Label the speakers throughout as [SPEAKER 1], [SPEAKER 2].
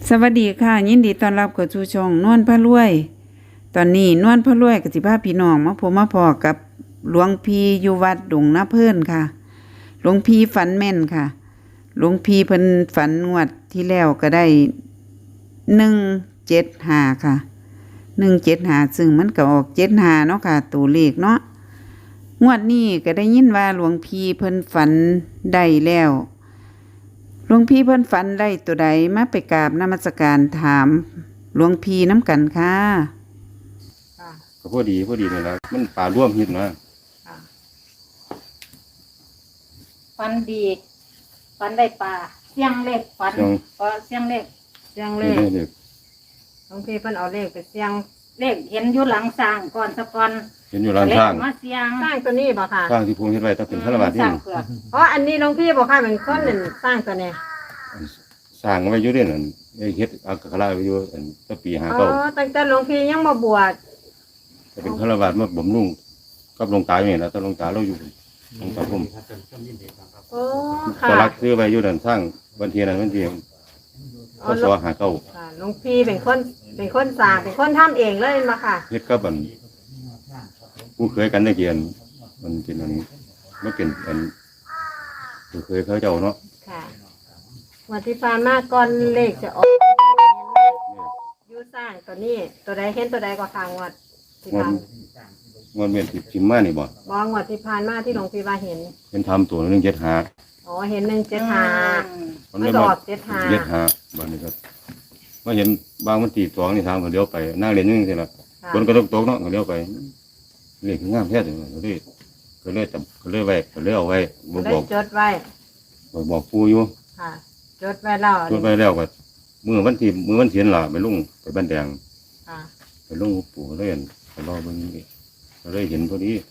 [SPEAKER 1] สวัสดีค่ะยินดีต้อนรับเข้าสู่ช่องนวลพระรวยตอนนี้นวลพระรวยก็สิพาพี่น้องมาพบมาพอกับหลวงพี่อยู่วัดดงนาเพิ่นค่ะหลวงพี่ฝันแม่นค่ะหลวงพี่เพิ่นฝันงวดที่แล้วก็ได้175ค่ะ175ซึ่งมันก็ออก75เนาะค่ะตัวเลขเนาะงวดนี้ก็ได้ยินว่าหลวงพี่เพิ่นฝันได้แล้วหลวงพี่เพิ่นฝันได้ตัวใดมาไปกราบนมัสการถามหลวงพี่น้ำกันค่ะ
[SPEAKER 2] ก็พอดีนี่แหละมันป่าร่วมหินนะ
[SPEAKER 3] ฟันดีฟันได้ปลาเสียงเล็กฟันก็เสียงเล็ก
[SPEAKER 4] เสียงเลข
[SPEAKER 2] เด็ก
[SPEAKER 4] บางทีเพิ่นเอาเลขไปเสียง
[SPEAKER 3] เล็กเห็นอยู่หลังสร้างก่อนสะก่อน
[SPEAKER 2] เห็นอยู่ร้านข้าง
[SPEAKER 3] มาเสียง
[SPEAKER 4] สร้างตัวนี้บ่ค่ะ
[SPEAKER 2] ข้างที่พวงเห็นไว้ต้องเป็นฆราวาส
[SPEAKER 3] ส
[SPEAKER 2] นี่
[SPEAKER 3] ร้างเผือก
[SPEAKER 4] อ๋ออันนี้หลวงพี่บอกค่ะเป็นคนหนึ่งสร้างตัวนี้
[SPEAKER 2] สร้างไว้อยู่เด่นอันไอ้เฮ็ดอักขระไว้อยู่อันตั้งปี
[SPEAKER 4] อ๋อ
[SPEAKER 2] 59
[SPEAKER 4] ตั้งแต่หลวงพี่ยังมาบวช
[SPEAKER 2] จะเป็นฆราวาสมาบ่มนุ่งกับหลวงตาอย่างนี้นะแต่หลวงตาเราอยู่หลวงตาผม
[SPEAKER 4] โอ้
[SPEAKER 2] ต
[SPEAKER 4] ค่ะ
[SPEAKER 2] ลักซื้อไว้อยู่นั่นสร้างวันเทียนนั้นวันเทียนพศ59
[SPEAKER 4] ค่ะหลวงพี่เป็นคนสร้างเป็นคนทำเองเลยมาค่ะ
[SPEAKER 2] เฮ็ดกับอันผู้เคยกันได้เกียนมันเป็นอันมันเป็นอันผู้เคยเขาเจ้าเนาะ
[SPEAKER 4] ค่ะวันที่ผ่านมาก่อนเลขจะออกอยู่สร้างตัวนี้ตัวใดเห็นตัวใดก็ทางวัดที่ผ่าน
[SPEAKER 2] มันเป็นสิมานี่บ่
[SPEAKER 4] บองวัดที่ผ่านมาที่หลวงพี่ว่าเห็น
[SPEAKER 2] เป็นทำตัว175
[SPEAKER 4] อ๋อเห็น175
[SPEAKER 2] มัน
[SPEAKER 4] ไม่
[SPEAKER 2] เลย
[SPEAKER 4] ด
[SPEAKER 2] มา
[SPEAKER 4] อก75
[SPEAKER 2] เย็ดหาบ้านนี้ครับมาเห็นบางมันตีสองนี่ทางก็เลี้ยวไปนั่งเรียนนึงสิละ
[SPEAKER 4] ค่ะ
[SPEAKER 2] คนก็ตกเนาะก็เลี้ยวไปเรียกงามแท้เลยก็เลยจับก็เลยไว้ก็เลยเอาไว้บ
[SPEAKER 4] ได้
[SPEAKER 2] อก
[SPEAKER 4] จดไว้
[SPEAKER 2] บอกปู่อยู่
[SPEAKER 4] ค่ะจดไว้แล้ว
[SPEAKER 2] จนไปแล้วก็มือวันที่มือวันเทียนล่ะไปลุงไปบ้านแดง
[SPEAKER 4] ค่ะ
[SPEAKER 2] ไปลุงปู่ก็เลยเห็นไปรอเบิ่งนี่ก็เลยเห็นพอดี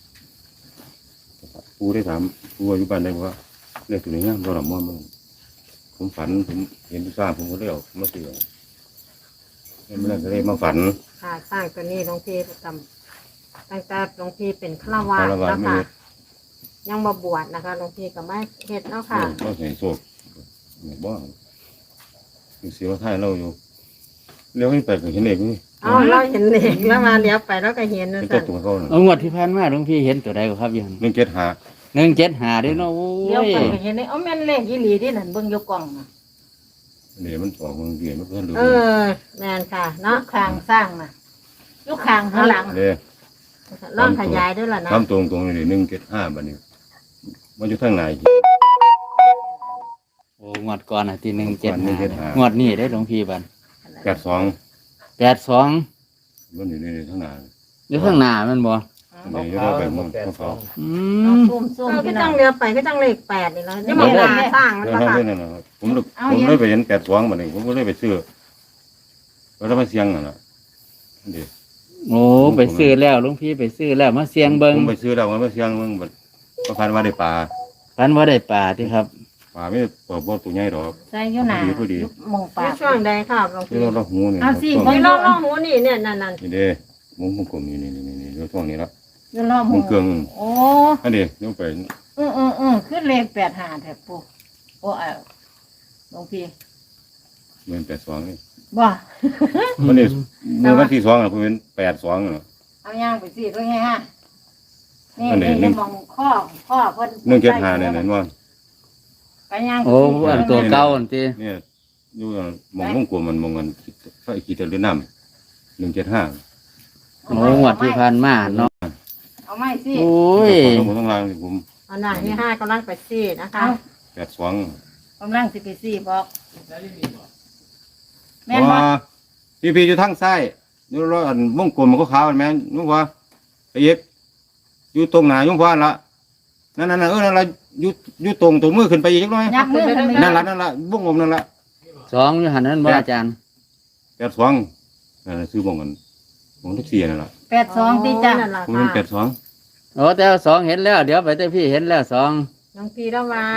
[SPEAKER 2] ปู่ได้ถามปู่อยู่บ้านได้บอกว่าเรียกตัวนี้งามตัวละม่อมผมฝันผมเห็นที่สร้างผมก็เลยเอามาเสือไม่ได้ก็เลยมาฝัน
[SPEAKER 4] ค่ะสร้างตัวนี้หลวงพี่ทำตั้งแต่หลวงพี่เป็นฆราวาส
[SPEAKER 2] ฆราวาส
[SPEAKER 4] แล้ว
[SPEAKER 2] ไม่
[SPEAKER 4] ค่ะ
[SPEAKER 2] เฮ็ด
[SPEAKER 4] ยังมาบวชนะคะหลวงพี่ก็ไม่เฮ็ดแล้วค่ะ
[SPEAKER 2] เราใส่โซ่เนี่ยบ้าเสียวท้ายเราอยู่เลี้ยวให้ไปก็เห็นเด็กนี่
[SPEAKER 4] เอาเราเห็นเด็กแล้วมาเลี้ยวไปแล้วก็เห็นนะ
[SPEAKER 2] เป็น
[SPEAKER 4] สั่
[SPEAKER 2] เจ้าน ตัวเขา
[SPEAKER 5] เอางวดที่ผ่านมาหลวงพี่เห็นตัวใดก็ครับอยัง
[SPEAKER 2] 175
[SPEAKER 5] 175ด้วยเนาะโอ้
[SPEAKER 3] เลี้ยวย ไปก็เห็นนี่เอาแม่นเลขยี่หลีที่นั่นเบิ่งอยู่กล่องน่ะ
[SPEAKER 2] เดี๋ยวมันออกมันเรียนมันเพิ่นดู
[SPEAKER 4] เออแมนค่ะเนาะ
[SPEAKER 3] ข้างสร้างน่ะอยู่ข้างข้างหลัง
[SPEAKER 2] เด้
[SPEAKER 4] ลองขยายด้วยล่ะนะ
[SPEAKER 2] ทำตรงนี่175บัดนี้มันอยู่ทางไหน
[SPEAKER 5] โอ้งวดก่อนน่ะที่
[SPEAKER 2] 175
[SPEAKER 5] 175งวดนี้ได้หลวงพี่บัด
[SPEAKER 2] 82
[SPEAKER 5] 82
[SPEAKER 2] มันอยู่ในทางไหน
[SPEAKER 5] อยู่ข้างหน้าแมันบ่
[SPEAKER 2] นี่อยู่ไปมันเขา
[SPEAKER 5] อื
[SPEAKER 3] เอา
[SPEAKER 5] ม
[SPEAKER 3] ซุ่ม
[SPEAKER 4] ก็
[SPEAKER 3] พี่น้
[SPEAKER 4] จั
[SPEAKER 3] อง
[SPEAKER 4] งเลี้ยวไปก็จังเลข8นี่แล้วนี่มันหาสร้างมัน
[SPEAKER 2] เรื่อง
[SPEAKER 4] ปะ
[SPEAKER 2] นั้น
[SPEAKER 4] ค่ะ
[SPEAKER 2] นั่นน่ะผมเลยไปเห็น82บัดนี้ผมก็เลยไปซื้อแล้วมาเสียงน่ะเด้
[SPEAKER 5] โอ้ไปซื้อแล้วหลวงพี่ไปซื้อแล้วมาเสี่ยงเบิ่ง
[SPEAKER 2] ผมไปซื้อแล้วมาเสียงเบิ่งบัดก็พันว่าได้ปลา
[SPEAKER 5] ฝันว่าได้ปลาที่ครับ
[SPEAKER 2] ปลาไม่เปิดบ่ตัวใหญ่ดอก
[SPEAKER 3] ใส่อยู่หน้า
[SPEAKER 2] พอดี
[SPEAKER 3] มองปา
[SPEAKER 4] ใน
[SPEAKER 3] ก
[SPEAKER 4] ช่วงใดค่ะหลวง
[SPEAKER 2] ที่
[SPEAKER 4] พี่
[SPEAKER 2] เราหูนี่
[SPEAKER 3] เอาสิ
[SPEAKER 4] นี่ลองหูนี่เนี่ยนั่น
[SPEAKER 2] นี่เด้มุ้งกลมนี่เราช่วงนี้ละ
[SPEAKER 3] อยู่รอบห
[SPEAKER 2] มุ้
[SPEAKER 3] มู่
[SPEAKER 2] งเกลือง
[SPEAKER 3] โอ้
[SPEAKER 2] อันนี้ยกไป
[SPEAKER 3] ขึ้นเลข85แท้ปู่โอ้หลวงพี่
[SPEAKER 2] เหมือน82นี่
[SPEAKER 3] บ่
[SPEAKER 2] วันนี้มือวันที่2น่ะผมเป็น82น่ะ
[SPEAKER 3] เอาย่างไปสิก็ไงฮะนี่
[SPEAKER 2] อันนี้
[SPEAKER 3] นี่มองข้อเพิ่น
[SPEAKER 2] 175เนี่ยนั่นว่า
[SPEAKER 3] ไปย่าง
[SPEAKER 5] โอ้อันตัวเก่าอันที่
[SPEAKER 2] เนี่ยอยู่มองวงกลมมันมองกันไฟขีดหรือน้ำ175
[SPEAKER 5] โอ้งวดที่ผ่านมาเนาะ
[SPEAKER 3] เอาไม้สิ
[SPEAKER 5] โอ้ย
[SPEAKER 2] ผมต้องลางผม
[SPEAKER 4] อันนั้นที่5กำลังไปซี่นะคะ
[SPEAKER 2] 82
[SPEAKER 3] กำลังสิไปสิบอกแม่นบ่
[SPEAKER 2] ว่าพี่อยู่ทางซ้ายอยู่รออันวงกลมมันก็ขาวแม่นนุ่งว่าไอ้เอกอยู่ตรงหน้ายุ่งว่าละนั่นนั่นนั่นละอยู่ตรงมือขึ้นไปอีกจักหน่อย
[SPEAKER 3] ยักมือขึ้นไป
[SPEAKER 2] นั่นละวงกลมนั่นละ
[SPEAKER 5] 2อยู่หั่นนั่นบ่อาจารย์
[SPEAKER 2] 82นั่นซื้อวงกันวงทุกเสียนั่นละ
[SPEAKER 3] 82ที่จ้ะ
[SPEAKER 4] นั่นล่ะ
[SPEAKER 2] ผมเป็น
[SPEAKER 4] ค่ะ
[SPEAKER 2] 82
[SPEAKER 5] โอ้แต่ว่า2เห็นแล้วเดี๋ยวไปแต่พี่เห็นแล้ว2
[SPEAKER 4] หลวงพี่แล้วว่า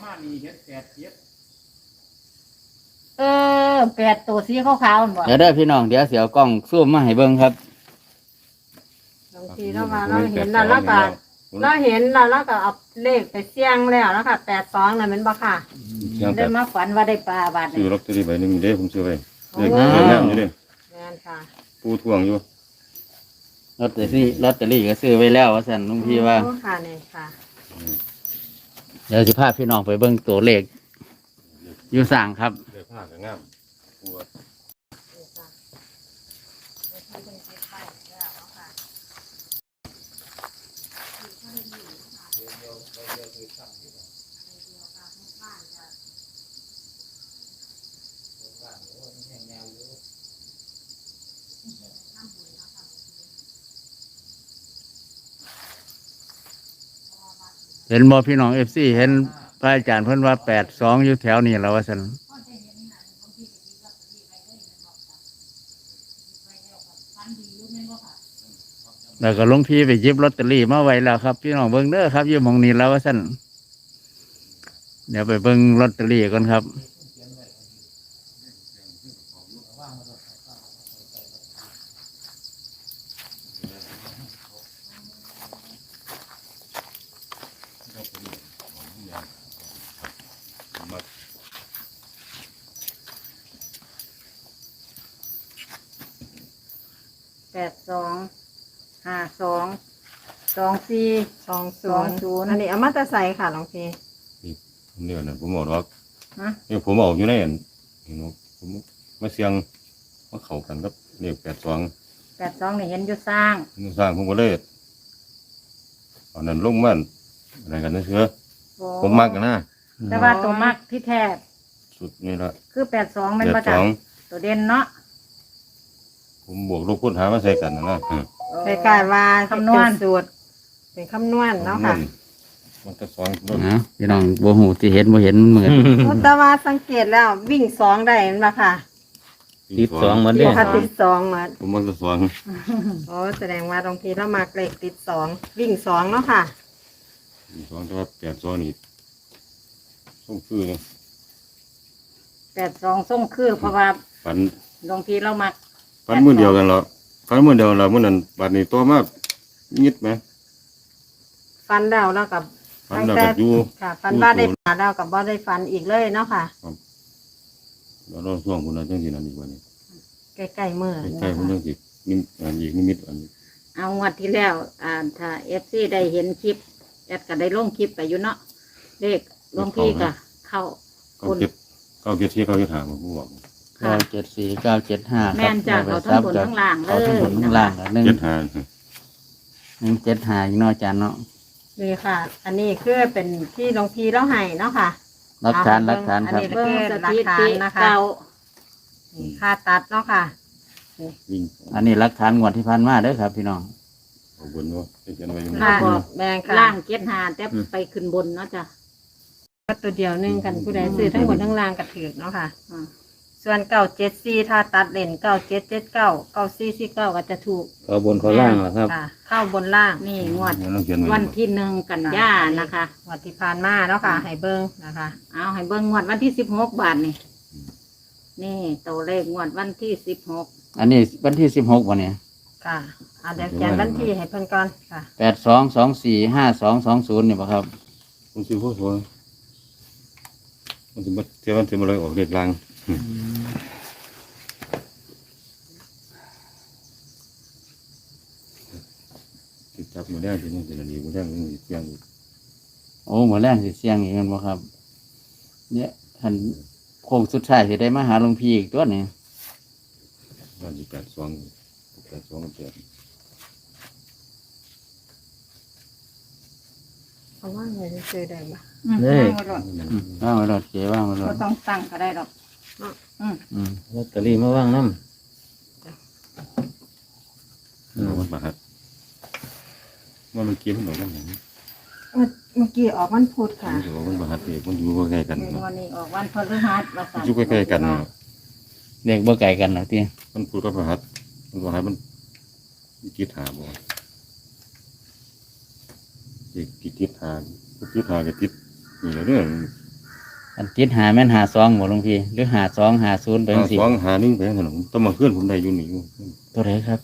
[SPEAKER 3] 8ตัวสีขาวๆนั่นบ่
[SPEAKER 5] เดี๋ยวได้อพี่น้องเดี๋ยวเสียวกล้องซูมมาให้เบิ่งครับ
[SPEAKER 4] หลวงพี่แล้วว่าเราเห็นแล้วเราเห็นแล้วเราก็เอาเลขไปเสี่ยงแล้วนะคะ82น่ะแม่นบ่ค่ะ
[SPEAKER 5] อ
[SPEAKER 2] เสียง
[SPEAKER 3] ได้
[SPEAKER 2] แต่
[SPEAKER 3] มาฝันว่าได้ปลาบาด
[SPEAKER 2] ซื้
[SPEAKER 3] นี่
[SPEAKER 2] อลอตเตอรี่ใบหนึงอยู่เด้ผมซื้อไว้
[SPEAKER 4] โอ้
[SPEAKER 2] เลขงามอยู่เด้
[SPEAKER 4] แม่นค่ะ
[SPEAKER 2] ปูท่วงอยู่
[SPEAKER 5] ลอตเตอรี่ก็ซื้อไว้แล้วว่าซั่นลุงพี่ว่า
[SPEAKER 4] โอ้ค่ะเนี่ยค่ะ
[SPEAKER 5] เดี๋ยวสิพาพี่น้องไปเบิ่งตัวเลขอยู่สร้างครับ
[SPEAKER 2] เลขผ้าก็งามปูว่า
[SPEAKER 5] เห็นบ่พี่น้อง FC เห็นพระอาจารย์เพิ่นว่า82อยู่แถวนี้แล้วว่าซั่นแล้วก็หลวงพี่ไปหยิบลอตเตอรี่มาไว้แล้วครับพี่น้องเบิ่งเด้อครับอยู่หม้องนี้แล้วว่าซั่นเดี๋ยวไปเบิ่งลอตเตอรี่ก่อนครับ
[SPEAKER 3] 82 52
[SPEAKER 4] 20อันนี้เอามาแตะใส่ค่ะหลวงพี่
[SPEAKER 2] เนี่ยนะผมบอกว่า
[SPEAKER 3] ฮะ
[SPEAKER 2] เนี่ยผมออกอยู่ในอันเห็นบ่ผมมาเสียงมาเข้ากันกับเลข82
[SPEAKER 3] นี่เห็นอยู่สร้าง
[SPEAKER 2] นี่สร้างผมก็เลยเอานั้นลงมันอะไรกันนะเชื่อ
[SPEAKER 3] โอ้
[SPEAKER 2] ผมมักกันนะ
[SPEAKER 3] แต่ว่าตัวมักที่แท้
[SPEAKER 2] สุดนี่ละ
[SPEAKER 3] คือ82แม่นบ่จ้ะตัวเด่นเนาะ
[SPEAKER 2] ผมบวกลบคูณหารมาใส่กันนะ
[SPEAKER 4] คล้ายๆว่า
[SPEAKER 3] คำนวณ
[SPEAKER 4] เป็นสูตรเป็นคำนวณเนาะค่ะ
[SPEAKER 2] มันก็สอง
[SPEAKER 5] พี่น้องบ่ฮู้ที่เห็นบ่เห็นมันเหมือน
[SPEAKER 4] โอ้แต่ว่าสังเกตแล้ววิ่ง2ได้เห็นป่ะค่ะ
[SPEAKER 5] ติด2เหมือนเด้
[SPEAKER 4] ปกติ2เหมือน
[SPEAKER 2] ผมมันก็สอง
[SPEAKER 4] โอ้แสดงว่าหลวงพี่เรามาเลขติด2วิ่ง2เนาะค่ะ
[SPEAKER 2] สองแต่ว่า82นี่ส่งคือ
[SPEAKER 3] 82ส่งคือเพราะว่า
[SPEAKER 2] ฝัน
[SPEAKER 3] หลวงพี่เรามัก
[SPEAKER 2] ฝันมื้อเดียวกันเหรอฝันมื้อเดียวแล้วมื้อนั้นบัดนี้ตัวมายิดไหม
[SPEAKER 4] ฟันแล้วแล้วกับ
[SPEAKER 2] ฝันแล้วก็อยู่
[SPEAKER 4] ค่ะ ฟันว่าได้ปลาแล้วกับบ่ได้ฟันอีกเลยเนาะค่ะ
[SPEAKER 2] แล้วเราช่วงพุ่นน่ะจังซี่นั่นอีกวันนี้
[SPEAKER 4] ใกล้ๆมือ
[SPEAKER 2] ใกล้ๆพุ่นจังสินิมอันอีกนิมิตอันนี้
[SPEAKER 3] เอางวดที่แล้วถ้า FC ได้เห็นคลิปแอดก็ได้ลงคลิปไปอยู่เนาะเลขหลวงพี่ก็เข้า
[SPEAKER 2] 974 975ผมบอก
[SPEAKER 3] ค่ะ
[SPEAKER 5] 974 975
[SPEAKER 3] แม่นจ้ะเขาทั้งบนทั้งล่างเลย
[SPEAKER 5] เขาทั้งบนทั้งล่างอะ
[SPEAKER 2] 75
[SPEAKER 5] 175อีกเนาะอาจารย์เนาะ
[SPEAKER 4] นี่ค่ะ อันนี้คือเป็นที่หลวงพี่เราให้เนาะค่ะ
[SPEAKER 5] หลักฐานครับ
[SPEAKER 4] อันนี้
[SPEAKER 3] เบิ่งสถิติ
[SPEAKER 4] นะคะ
[SPEAKER 3] เก่า
[SPEAKER 4] นี่ค่าตัดเนาะค่ะ
[SPEAKER 2] วิ่ง
[SPEAKER 5] อันนี้หลักฐานงวดที่ผ่านมาเด้อครับ พี่น้อง
[SPEAKER 2] เอาบนว่าเขียนไว้อยู่
[SPEAKER 3] ค่ะ
[SPEAKER 2] นี่
[SPEAKER 4] แบ่งค่ะ
[SPEAKER 3] ล่าง75แต่ไปขึ้นบนเนาะจ้ะ
[SPEAKER 4] ตัวเดียวหนึงกันผู้ใดซื้อทั้งบนทั้งล่างกระถือเนาะค่ะ
[SPEAKER 3] อืม
[SPEAKER 4] ส่วน974ถ้าตัดเล่น9779 9449ก็จะถูก
[SPEAKER 5] เขาบนเขาล่างเหรอครับ
[SPEAKER 4] ค่ะ เข้าบนล่าง
[SPEAKER 3] นี่งวด
[SPEAKER 2] เดี๋ยวเราเขียนไว้
[SPEAKER 3] วันที่1กันยานะคะ
[SPEAKER 4] วัที่ผ่านมาเนาะค่ะ ให้เบิ่งนะคะ
[SPEAKER 3] เอาให้เบิ่งงวดวันที่16บาทนี่นี่ตัวเลขงวดวันที่16
[SPEAKER 5] อันนี้วันที่16วันนี้
[SPEAKER 4] ค่ะเอาเดี๋ยวเขียนวันที่ให้เพิ่นก่อนค่ะ
[SPEAKER 5] 82245220นี่บ่ครับ
[SPEAKER 2] ผมซื้อพวกตัวมันจะมาเที่ยวมันจะมาเลยออกเด็ดลังติดจับมาได้ทีนี้จะดีมาได้มันอีกอย่างอีก
[SPEAKER 5] โอ้หมอแรงสิเสียงอีกแมันบ่ครับ เนี่ยท่านโค้งสุดท้ายสิได้มาหาหลวงพี่อีกตัวนี้
[SPEAKER 2] วันที่82กับ8
[SPEAKER 4] เอาว่าไงซื้อได้บ่
[SPEAKER 5] เลข
[SPEAKER 3] ว่างไว้รถ
[SPEAKER 5] ว่างไว้รถเก๋ว่างไว้ร
[SPEAKER 3] บ่
[SPEAKER 5] ถ
[SPEAKER 3] ต้องตั้งก็ได้ดอก
[SPEAKER 5] อืม
[SPEAKER 6] ลอตเตอรี่มาว่างน้
[SPEAKER 2] มันบาดว่ามันกินหน่อยกันอย่างนี้
[SPEAKER 4] เมื่อกี้ออกวันพุธค่ะ
[SPEAKER 2] มันจะบอกมันบาดเด็กมันอยู่ใกล้กัน
[SPEAKER 3] ในวันนี้ออกวันพฤหัสว่า
[SPEAKER 2] มัน
[SPEAKER 3] ซั่น
[SPEAKER 2] อยู่ใกล้กัน
[SPEAKER 5] เด็กบ่ไกลกันหรอกที่
[SPEAKER 2] มันพูดกับพระหัตมันบอกให้มันกิดหาบ่กิดหาก็ติดนี่แหละเรื่อง
[SPEAKER 5] อันติดหาแม่นหา2บ่หลวงพี่หรือ5250ไปจังซี่
[SPEAKER 2] หา1ไปขนมต้องมาเคลื่อนผมได้อยู่นี่อยู่
[SPEAKER 5] ตัวไหนครับ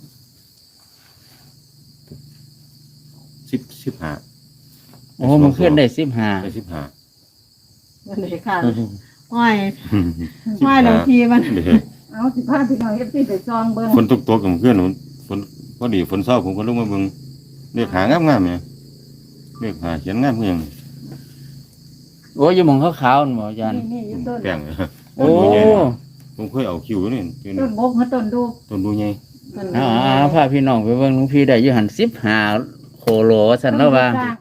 [SPEAKER 2] 15
[SPEAKER 5] โอ้มันขึ้นได้15
[SPEAKER 2] ได้15
[SPEAKER 4] วันนี้ค่ะห้อยหลวงพี่มัน
[SPEAKER 3] เอาสิพาพี่น้อง FC ไปซองเบิ่ง
[SPEAKER 2] ฝนตกกับเพื่อนฝนพอดีฝนเศร้าผมก็ลงมาเบิ่งเลขหางามๆเนี่ยเลขหาเขียนงามเพียง
[SPEAKER 5] โอ้ยอยู่หมองขาวๆนั่นบ่อาจารย์
[SPEAKER 3] นี่อยู่ต้น
[SPEAKER 2] แป้ง
[SPEAKER 5] โอ้
[SPEAKER 2] ผมเคยเอาคิวนี่
[SPEAKER 3] ต้นบกกับต้นดู
[SPEAKER 2] ต้นดูใหญ่
[SPEAKER 3] ต้น
[SPEAKER 5] เอาพาพี่น้องไปเบิ่งหลวงพี่ได้อยู่หัน15โคโลว่าซั่นแล้วว่า
[SPEAKER 3] สร้าง